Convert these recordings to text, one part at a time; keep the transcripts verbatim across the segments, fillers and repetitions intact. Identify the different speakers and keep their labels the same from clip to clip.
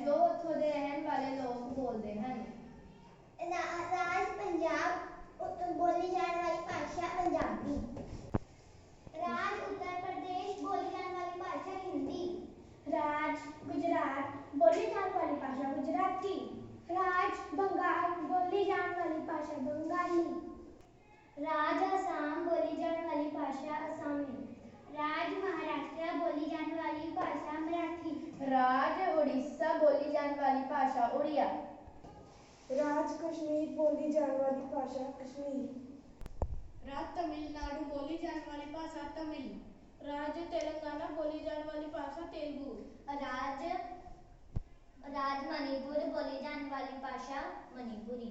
Speaker 1: ਜੋ ਉੱਥੋਂ ਦੇ ਰਹਿਣ ਵਾਲੇ ਲੋਕ ਬੋਲਦੇ ਹਨ।
Speaker 2: ਰਾਜ ਪੰਜਾਬ ਬੋਲੀ ਜਾਣ ਵਾਲੀ ਭਾਸ਼ਾ ਪੰਜਾਬੀ। ਰਾਜ उत्तर प्रदेश बोली जाने वाली भाषा हिंदी।
Speaker 3: राज गुजरात बोली जाने वाली भाषा गुजराती। राज बंगाल बोली जाने वाली भाषा बंगाली।
Speaker 2: राज असम बोली जाने वाली भाषा असमी। राज महाराष्ट्र बोली जाने वाली भाषा मराठी।
Speaker 1: राज उड़ीसा बोली जाने वाली भाषा उड़िया।
Speaker 3: राज कश्मीर बोली जाने वाली भाषा कश्मीर।
Speaker 4: राज तमिलनाडु बोली जाने वाली भाषा तमिल। राज तेलंगाना बोली जाने वाली भाषा तेलुगु।
Speaker 2: राज राज मणिपुर बोली जाने वाली भाषा मणिपुरी।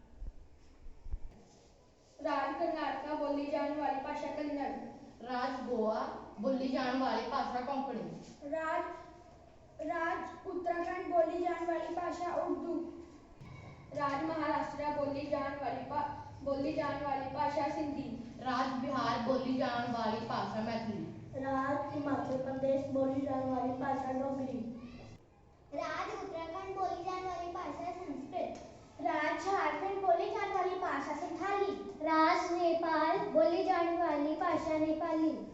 Speaker 3: राज कर्नाटका बोली जाने वाली भाषा कन्नड़।
Speaker 5: राज गोवा बोली जाने वाली भाषा कोंकणी।
Speaker 3: राज राज उत्तराखंड बोली जाने वाली भाषा उर्दू। राज महाराष्ट्र बोली जाने वाली भा बोली जाने वाली भाषा सिंधी।
Speaker 5: राज बिहार बोली जाने वाली भाषा मैथिली।
Speaker 3: राज हिमाचल प्रदेश बोली जाने वाली भाषा डोगरी।
Speaker 2: राज उत्तराखंड बोली जाने वाली भाषा संस्कृत।
Speaker 3: राज झारखंड बोली जाने वाली भाषा संथाली।
Speaker 2: राज नेपाल बोली जाने वाली भाषा नेपाली।